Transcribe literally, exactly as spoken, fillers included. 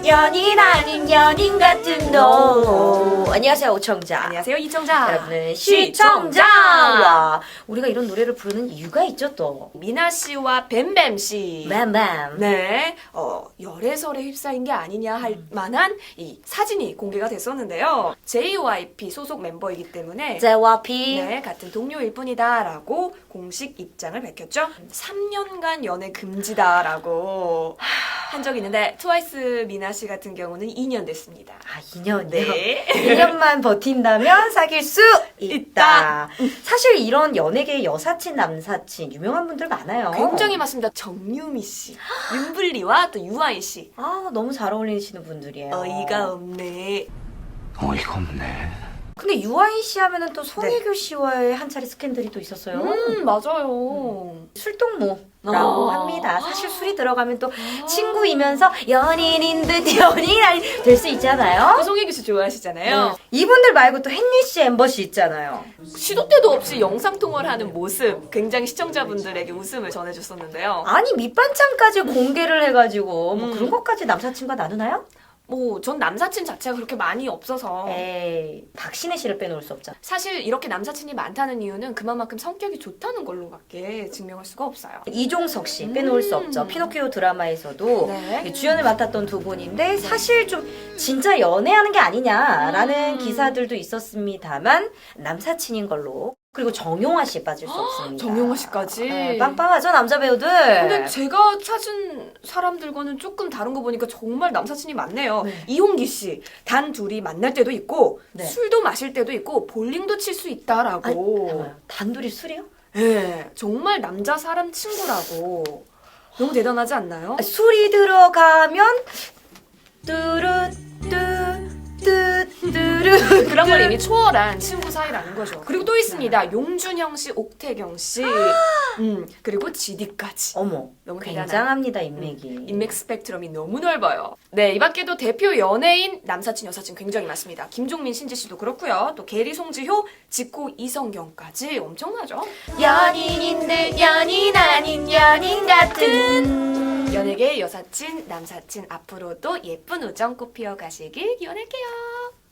연인 아닌 연인 같은 너. 안녕하세요, 오청자. 안녕하세요, 이청자. 여러분은 시청자. 와, 우리가 이런 노래를 부르는 이유가 있죠, 또. 미나 씨와 뱀뱀 씨. 뱀뱀. 네, 어, 열애설에 휩싸인 게 아니냐 할 만한 이 사진이 공개가 됐었는데요. 제이와이피 소속 멤버이기 때문에 제이와이피. 네, 같은 동료일 뿐이다라고 공식 입장을 밝혔죠. 삼 년간 연애 금지다라고 한 적이 있는데 트와이스 미나 씨 같은 경우는 이 년 됐습니다. 아, 이 년이요? 네. 이 년만 버틴다면 사귈 수 있다. 사실 이런 연예계의 여사친, 남사친 유명한 분들 많아요. 굉장히 많습니다. 정유미 씨, 윤블리와 또 유아인 씨. 아, 너무 잘 어울리시는 분들이에요. 어이가 없네. 어이가 없네. 근데 유아인 씨 하면은 또 송혜교 씨와의 한 차례 스캔들이 또 있었어요. 음, 맞아요. 술동무라고 아. 합니다. 사실 술이 들어가면 또 친구이면서 연인인 듯 연인 아닌 될 수 있잖아요. 그 송혜교 씨 좋아하시잖아요. 네. 이분들 말고 또 헨리 씨, 엠버 씨 있잖아요. 시도 때도 없이 영상 통화를 하는 모습 굉장히 시청자분들에게 웃음을 전해줬었는데요. 아니 밑반찬까지 공개를 해가지고 뭐 음. 그런 것까지 남사친과 나누나요? 뭐 전 남사친 자체가 그렇게 많이 없어서 에이, 박신혜 씨를 빼놓을 수 없죠. 사실 이렇게 남사친이 많다는 이유는 그만큼 성격이 좋다는 걸로밖에 증명할 수가 없어요. 이종석 씨 빼놓을 수 없죠. 피노키오 드라마에서도 네. 주연을 맡았던 두 분인데 사실 좀 진짜 연애하는 게 아니냐라는 음. 기사들도 있었습니다만 남사친인 걸로. 그리고 정용화 씨 빠질 수 없습니다. 정용화 씨까지. 네, 빵빵하죠 남자 배우들. 근데 제가 찾은 사람들과는 조금 다른 거 보니까 정말 남사친이 많네요. 네. 이홍기 씨, 단 둘이 만날 때도 있고 네. 술도 마실 때도 있고 볼링도 칠 수 있다라고. 아니, 잠깐만요. 단둘이 술이요? 네, 정말 남자 사람 친구라고. 너무 대단하지 않나요? 술이 들어가면 뚜루뚜 뚜뚜루 그런 걸 이미 초월한 친구 사이라는 거죠. 그리고 또 있습니다. 용준형 씨, 옥태경 씨, 음, 그리고 지디까지. 어머, 너무 굉장합니다 인맥이. 인맥 스펙트럼이 너무 넓어요. 네, 이 밖에도 대표 연예인, 남사친, 여사친 굉장히 많습니다. 김종민, 신지 씨도 그렇고요. 또 게리, 송지효, 지코, 이성경까지 엄청나죠. 연인인들 연인 아닌 연인 같은. 연예계 여사친, 남사친 앞으로도 예쁜 우정 꽃 피어 가시길 기원할게요.